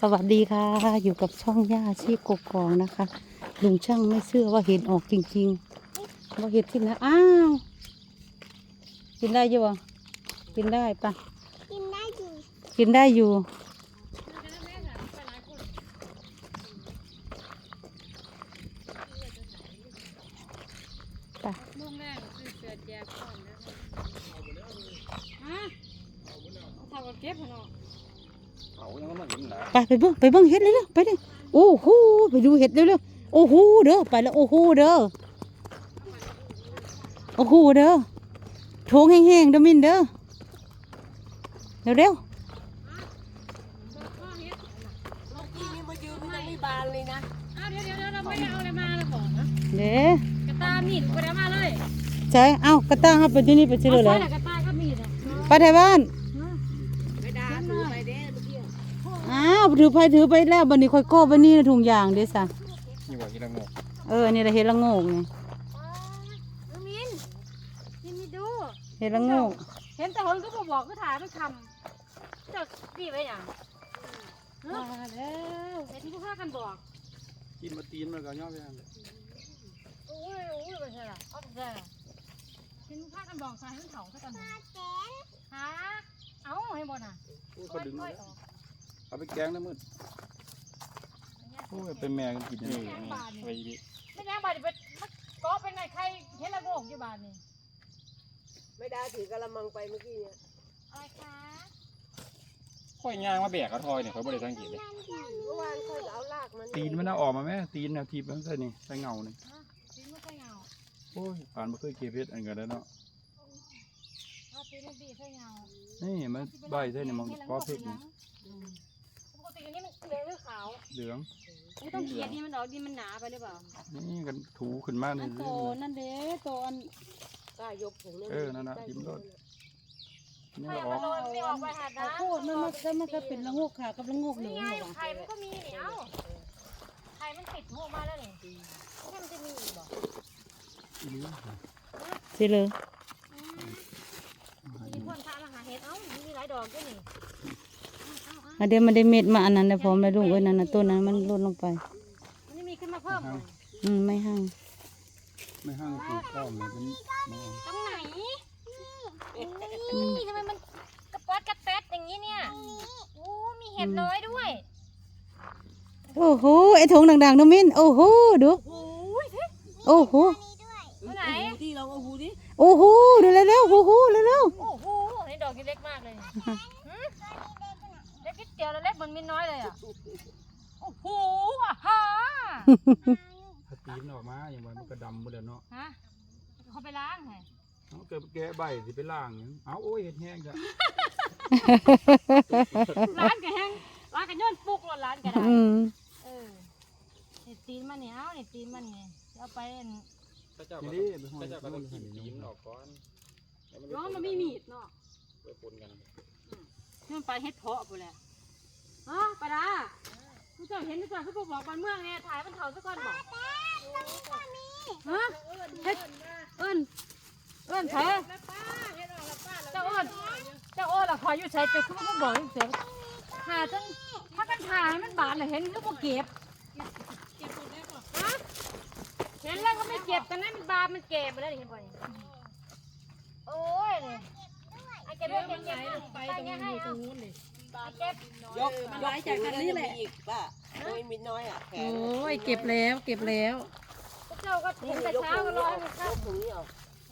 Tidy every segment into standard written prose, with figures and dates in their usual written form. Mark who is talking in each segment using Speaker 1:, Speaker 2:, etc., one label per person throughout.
Speaker 1: วัสดีค่ะอยู่กับช่องย่าชีพกกองนะคะลุงช่างไม่เชื่อว่าเห็นออกจริงๆว่าเห็นที่ไหนอ้าวกินได้อยู่บ่กินได้ปะกินได้อยู่กินได้อยู่ไปมุ่งแรกคือเสือแจกก่อนนะคะฮะเอาเก็บเนาะไปเบิ่งเห็ดเลยเร็วไปเลยโอ้โหไปดูเห็ดเร็วๆโอ้โหเด้อไปแล้วโอ้โหเด้อโอ้โหเด้อโถงแห้งๆเด้อมินเด้อเร็วเด้กระตามีดไปได้มาเลยใช่เอ้ากระตาครับไปที่นี่ไปที่เลยเลยกระตาก็มีดไปไทยบ้านอ้าวถือไปแล้วบันนี้ค่อยก้อบันนี้นะถุงยางเด้ซะนี่ว่าเห็ดละโงกนี่แหละเห็ดละโงกไงมินดูเห็ดละโงกเห็นแต่คนก็บอกก็ถ่ายไม่ทำจะดีไปอย่างมาแล้วเห็นผู้ฆ่ากันบอกกินมาตีนมันก็ย่อไปอย่างโอ้ยไปใช่ละเอาไปใช่ละเห็นผู้ฆ่ากันบอกใส่ให้เถาซะกันฮะเอาให้บ่น่ะก็ดึงเอาไปแกงนะมืดโอ้ยเป็นแมงกินนี่ไปดิไม่แมงบาดไปก็เป็นไงใครเห็นละโงกอยู่บ้านนี่
Speaker 2: ไม่ได้ถือกระมังไปเมื่อกี้เนี่ย
Speaker 1: อะไรคะ
Speaker 3: ค่อยย่างมาแบกกระทอยเนี่ยเขาบริสังเกตเลย
Speaker 2: เมื่อวานค่อยเอาลากมัน
Speaker 3: ตีนมันเอาออกมาไหมตีนเนี่ยทีบมันใส่นี่ใส่เงานี่
Speaker 1: ตีนมันใส่เงา
Speaker 3: โอ้ยผ่านมาเคยเก็บเพชรอันกันแล้วเนาะ
Speaker 1: ตีนมันบีใส่เงา
Speaker 3: นี่มันใบใส่นี่มันก็เพชรนี่
Speaker 1: ปกติอันนี้มันเหลืองหรือขาว
Speaker 3: เหลือง
Speaker 1: ไม่ต้องเกลียดนี่มันออกดินมันหนาไปหรือเปล่า
Speaker 3: นี่กันถูขึ้นมาเลย
Speaker 1: โตนั่นเด้โตอัน
Speaker 2: ก็ยกถุง
Speaker 3: นั่นนะจิ้มรส
Speaker 1: นี่ออกไม่ออกไปหาน้ำโคตรมันก็เป็นละงกค่ะกับละงกเหลืองไข่มันก็มีเนี่ยเอ้าไข่มันติดหัวมาแล้วนี่แค่มันจะมีอีกบ่สิเลยมีคนพามาหาเห็ดเอ้ามีหลายดอกด้วยนี่เดี๋ยวมันได้เม็ดมาอันนั้นนะพร้อมแล้วลุงนั่นนะต้นนั้นมันลดลงไปมันมีขึ้นมาเพิ่มไม่ห้าง
Speaker 3: ปลูกข้าวเลยเป็น
Speaker 1: ตรงไหนทำไมมันกระป๊อดกระแป๊ดอย่างนี้เนี่ยโอ้มีเห็ดน้อยด้วยโอ้โหไอ้ถุงดังๆน้องมิ้นโอ้โหดูโอ้โหไหน
Speaker 2: ที่เราเอาหูดิ
Speaker 1: โอ้โหดูเร็วๆโอ้โหเร็วๆโอ้โหนี่ดอกเล็กมากเลยเล็กนิดเดียวแล้วเล็กมันมิ้นน้อยเลยอ่ะโอ้โหอ่ะฮะ
Speaker 3: ถ้าตีนออกมาอย่างมันก็ดำหมดแล้วเนาะ
Speaker 1: ฮะเขาไปล้างไง
Speaker 3: เอาเกิดแกะใบสิไปล้างเอาโอ้ยเห็ดแห้งจ้ะ
Speaker 1: ล้างกันแห้งล้างกันย้อนปุกร้านกันได้เนี่ยตีนมันเนี่ยเอาเนี่ยตีนมันเนี่ยเอาไป
Speaker 3: นี่ไปห้อยก็ต้องกินตีนออกก่อน
Speaker 1: น้องมันไม่มีดเนาะ
Speaker 3: ไปปนกัน
Speaker 1: นี่มันไปเฮ็ดเพาะไปแล้วปลาผู้เจ้าเห็นหรือเปล่าเขาบอกบ้านเมืองเนี่ยถ่ายมันเถาสักก้อนบอกฮะเอิ้นใช่เจ้าเอิ้นล่ะคอยอยู่ใช้ไปคือมันบอกเสียหาจนถ้ากันถ่ายมันบาดเลยเห็นก็บ่เก็บเห็นแล้วก็ไม่เก็บกันนั้นมันบาดมันเก็บไปแล้วเห็นบ่โอ้ยเนี่ยไอ้เก็บไปตรงนี้อยู่ตรงนู้นเลยเก็บ
Speaker 2: ยกจากทางนี้แหละอีกป่ะไม่มีน้อยอ่ะ
Speaker 1: โอ้ยเก็บแล้วเจ้าก็เห็นแต่เช้าก็รอให้เข้า
Speaker 2: ตรงนี้เอา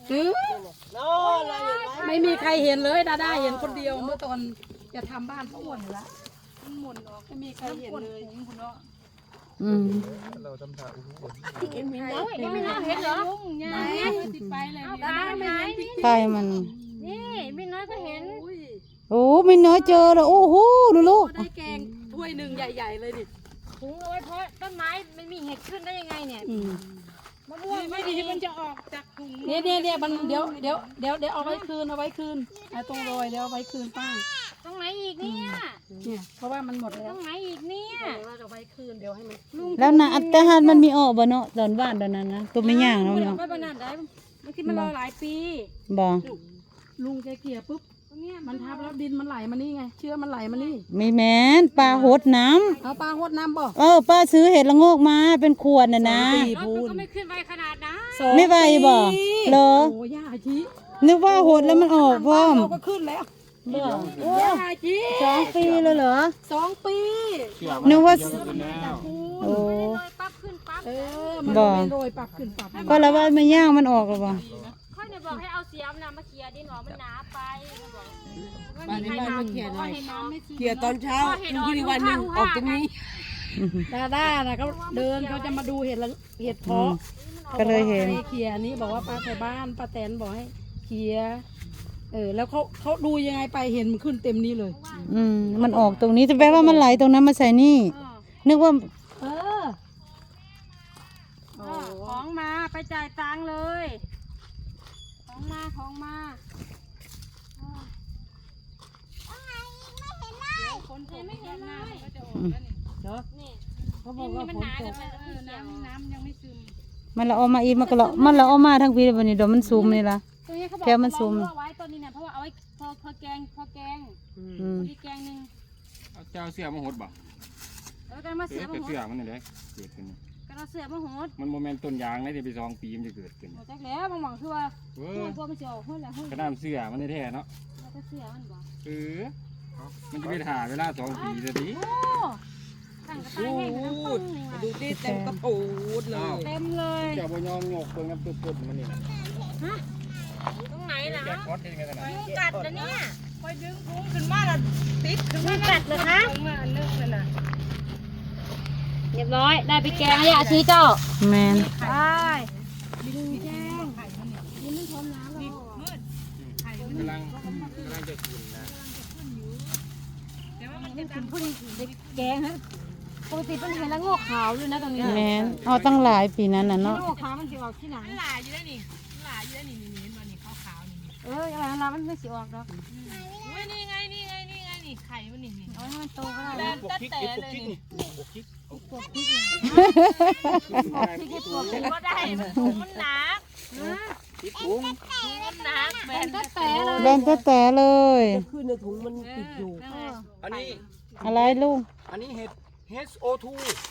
Speaker 1: ไม่มีใครเห็นเลยดาด้าเห็นคนเดียวเมื่อตอนจะทำบ้านเขาหมดแล้วมันหมุนออกไม่มีใครเห็นเลยคุณเนาะ
Speaker 3: เราทำท่าโอ้โห
Speaker 1: เห็นเหรอติดไปเลยไปมันนี่มินน้อยก็เห็นโอ้มินน้อยเจอแล้วโอ้โหดูลูก
Speaker 2: ได้แกงถ้วยหนึ่งใหญ่ๆเลยดิ
Speaker 1: ถุงเอาไว้เพราะต้นไม้ไม่มีเห็ดขึ้นได้ยังไงเนี่ยมะม่วง
Speaker 2: ไม่ดีมันจะออกจากถุง
Speaker 1: เนี่ยมันเดี๋ยวเอาไว้คืนไอ้ตรงรอยเดี๋ยวเอาไว้คืนป้าตรงไหนอีกเนี่ยเพราะว่ามันหมดแล้วตรงไหนอีกเนี่ย
Speaker 2: เราจะไว้คืนเดี๋ยวให้มัน
Speaker 1: แล้วนะแต่หากมันมีออกบ่เนาะตอนบ้านตอนนั้นนะก็ไม่ย่างเนาะ
Speaker 2: ไม่บ้านนั้นได้บางทีมันรอหลายปี
Speaker 1: บ่
Speaker 2: ลุงแกเกี่ยปุ๊บ
Speaker 4: มันทับแล้วดินมันไหลมานี่ไงเชื้อมันไหลมานี่
Speaker 1: ไม่แม่นปลาหดน้
Speaker 4: เอาปลาหดน้ำบ่
Speaker 1: ำป้าซื้อเห็ดละโงกมาเป็นขวดน่ะนะ
Speaker 4: พูน
Speaker 2: ก็ไม่ขึ้นไปขนาดนั้น
Speaker 1: ไม่ไหวบ่เหรอ
Speaker 4: โอ้ย่าชี
Speaker 1: นึกว่าหดแล้วมันออกพร้อม
Speaker 4: เราก็ขึ้นแล้วย่าชี
Speaker 1: 2 ปีเลยเหรอ
Speaker 4: 2 ปี
Speaker 1: นึกว่า
Speaker 3: แล้ว
Speaker 1: โอ้
Speaker 2: ปั๊บขึ้นปั๊บ
Speaker 4: มัน
Speaker 1: บ่
Speaker 4: ไม่โรยปรับขึ้นปรับ
Speaker 1: ก็แล้วว่าไม่ย่างมันออกหรือเปล่า
Speaker 2: ค่อยเนี่ยบอกให้เอาเสียมนะมาเคลียร์ดินออกมันหนาไปบอก
Speaker 5: บ้านนี้บ้านมาเขียนหน่อย
Speaker 2: ให้น้องไม่
Speaker 5: เขียนตอนเช้าคุณพี่วันหนึ่งออกตรงนี้
Speaker 4: ด้านะเขาเดินเขาจะมาดูเห็ดเพาะ
Speaker 1: ก็เลยเห็น
Speaker 4: ให้เคลียร์นี้บอกว่าป้าไทยบ้านป้าแตนบอกให้เคลียร์แล้วเขาดูยังไงไปเห็นมันขึ้นเต็มนี้เลย
Speaker 1: มันออกตรงนี้แต่แปลว่ามันไหลตรงนั้นมาใส่นี่ นึกว่า
Speaker 4: เออ
Speaker 2: ของมาไปจ่ายตังค์เลย ของมาคนไม่เห็นเลยนี่
Speaker 4: เขาบอกว่า
Speaker 2: มัน
Speaker 4: ฝ
Speaker 2: ห
Speaker 4: น
Speaker 2: นา
Speaker 4: ต
Speaker 2: กั
Speaker 4: ก
Speaker 2: นไปน้ำยังไม่ซึม
Speaker 1: มันละออกมาอีกมันก็ละมันละออกมาทั้งปีเลยวันนี้เดี๋ยวมันซูมนี่ละ
Speaker 2: ตัวนี้เขาบอก
Speaker 1: แกมันซูม
Speaker 2: เอาไว้ตัวนี้เนี่ยเพราะว่าเอาไว้พอแกงมีแกงนึง
Speaker 3: เจ้าเสื้อมาหดบ่
Speaker 2: แล้วกันมาเสือมา
Speaker 3: แต่
Speaker 2: หด
Speaker 3: เสื้อมันนี่แหละเกิดขึ้น
Speaker 2: กันเอาเสือมาหด
Speaker 3: มันโมเมนต้นยางได้ไป2 ปีมันจะเกิดขึ้น
Speaker 2: หมดจากแล้วบางหวังคือว่า
Speaker 3: เว้
Speaker 2: พวกมันจะออกหุ้นแล้วหุ้น
Speaker 3: กระน้ำเสื้อมันแท้เนาะ
Speaker 2: แล้วก็เสือมันบอก
Speaker 3: มันจะไปถ่าเวลา2 ปีจะดี
Speaker 2: โอ้ตั้งกระต่ายให้น้ำปึ้ง
Speaker 5: ดูดิเต็มกระปูดเลย
Speaker 2: เต็มเลย
Speaker 3: เจ้าบ่ยอมงกเบิ่งน้ำตุ่นมันนี่นะ
Speaker 2: ตรงไหนล่ะ
Speaker 3: แกคอดเองกันนะ
Speaker 2: ยุงกัดนะเนี่ย
Speaker 5: ไปดึงพุงขึ้นมาแล้วติดขึ้น
Speaker 2: ยุ
Speaker 5: มาง
Speaker 2: กัดเลยคะ
Speaker 5: มาอันนึงเลยนะ
Speaker 2: เรียบร้อยได้ไปแกงแล้วอาชีเจ้า
Speaker 1: แมน
Speaker 2: ไป
Speaker 3: กำลังจะกินนะ
Speaker 2: แกงฮะปกติเป็นเห็นแล้วงอกขาวเลยนะตรงนี้
Speaker 1: แมนเอาตั้งหลายปีนั้นน่ะเนาะ
Speaker 2: งอกขาวมันจะออกที่ไหน
Speaker 5: หลายอยู่แล้วนี่หลายอยู่แล้วนี่นี่มันนี่ขาวๆนี่
Speaker 2: อะไรนะมันไม่สิออกหรอก
Speaker 5: อุ้ยนี่ไงนี่ไข่มันนี่
Speaker 2: เอาให้มันโตก็ได้
Speaker 5: แดงตั้งแต่เลยนี่ ก็ได้มันหนัก
Speaker 3: ติดพุง
Speaker 5: มันหนักแบน
Speaker 2: ตั้งแต่เลย
Speaker 1: แบนแต่เลย
Speaker 5: ขึ้นในถุงมันติดอยู่
Speaker 3: อันนี้
Speaker 1: อะไรลูก
Speaker 3: อันนี้เห็ด HO2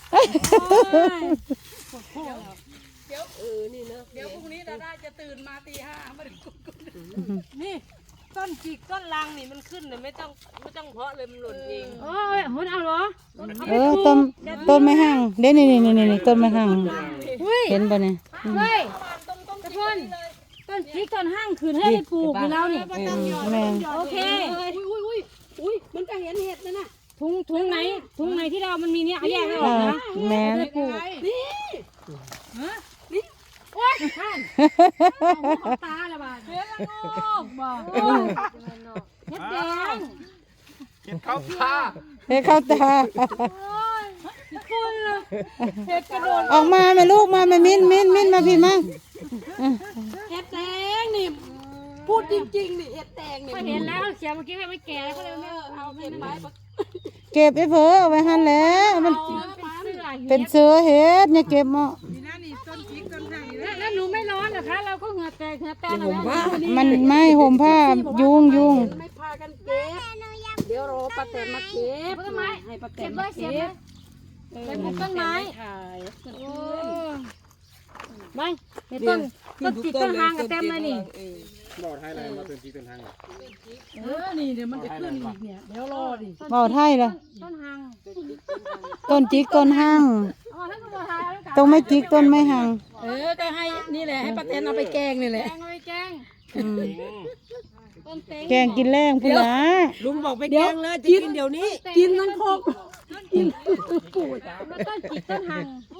Speaker 5: นี่นะ
Speaker 4: เดี๋ยวพรุ่งนี้ดาจะตื่นมาตี 5มาดู
Speaker 5: นี่ต้นจิกต้นลังนี่มันขึ้นเลยไม่ต้องเพาะเลยมันหล่นเอง
Speaker 2: โอ้ยหุ่นเอาเหรอ
Speaker 1: ต้นไม่ห่างเด้นี่ต้นไม่ห่างเห็นป่ะเนี่ย
Speaker 2: เฮ้ยตะพนต้นพริกต้นห้างคืนให้ได้ปลูกอยู่แล้วนี่
Speaker 1: แมน
Speaker 2: โอเค
Speaker 4: อุ้ยมันก็เห็นเห็ดนะน่ะ
Speaker 2: ถุงไหนที่เรามันมีเนี่ยเอาแยกให้ออกนะ
Speaker 1: แมน
Speaker 2: ของตาละบาดเฮ็ดละโงกบ่เฮ็ดแดง
Speaker 3: เห็ดข้าวตา
Speaker 1: ให้เข้าตา
Speaker 2: คุณล่ะ
Speaker 1: ออกมาแม่ลูกมาแม่มิ้นมาพี่มา
Speaker 4: เห็ดแดงนี่พูดจริงๆนี่เห็ดแดงนี่
Speaker 2: ก็เห็นแล้วเขียวเมื่อกี้ไม่แก่แล้วก็เลยไม่เอา
Speaker 4: เห็ดไป
Speaker 1: เก็บไอ้เผอเอาไว้หันแล้วมัน
Speaker 2: เป็นเสื้อ
Speaker 1: เป็นเสือเห็ดเนี่ยเก็บมา
Speaker 2: แล้วหนูไม่ร้อนเหรอคะเราก็เหงื่อแตกแล้ว
Speaker 1: มันไม่ห่มผ้ายุง
Speaker 4: ไม่พากันเก็บเดี๋ยวรอป้าแตนมาเก็บ
Speaker 2: ต้นไม้
Speaker 4: ให้ป้าแต
Speaker 2: เก็
Speaker 4: น
Speaker 2: บ
Speaker 4: มา
Speaker 2: ไว้เสีย
Speaker 4: เก็
Speaker 2: บบ ไปปลูกต้นไม้
Speaker 4: ถ่าย
Speaker 2: ไปในต้นจิกต้นหางก็เต็มเลยนี่
Speaker 3: บอกให้อะไรมาต้นจีต้นทาง
Speaker 4: นี่เดี๋ยวมันจะขึ้นอีกเนี่ยเดี๋ยวรอดิ
Speaker 1: เบาไทยละ
Speaker 2: ต้นหาง
Speaker 1: ต้นจิกต้นห้าง
Speaker 2: อ๋อท่านก็บอกทายแล้วกัน
Speaker 1: ต้องไม่จิกต้นไม่ห่าง
Speaker 4: ก็ให้นี่แหละให้ป้าแตนเอาไปแกงนี่แหละ
Speaker 2: แกงเลยแกงต้นเต็ง
Speaker 1: แกงกินแรงพุ่นละ
Speaker 5: ลุงบอกไปแกงเลยจะกินเดี๋ยวนี้
Speaker 4: กินทั้งโคกกินปูด
Speaker 2: แล้วต้นจิกต้นหาง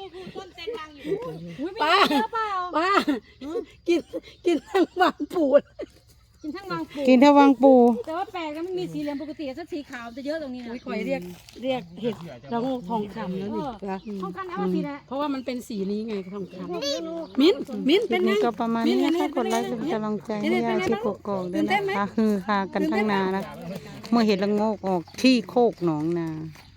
Speaker 4: ป้าป้ากินทั้งบางปูด
Speaker 2: กินทั้งบางปู
Speaker 1: กินทวังปู
Speaker 2: แต่ว่าแปลกนะมันมีสีเหลืองปกติถ้าสีขาวจะเยอะตรงนี้นะ
Speaker 4: ข่อยเรียกเห็ดระโงกทองคำแล้วนี่นะ
Speaker 2: ห้องกันเอาสีนะ
Speaker 4: เพราะว่ามันเป็นสีนี้ไงทองคำมิ้นเป็นไง
Speaker 1: นี่ก็ประมาณนี้นะคะกดไลค์เป็นกำลังใจให้ยาชีกกอกด้วยนะคะฮือฮากันทั้งนานะเมื่อเห็นละโงกออกที่โคกหนองนา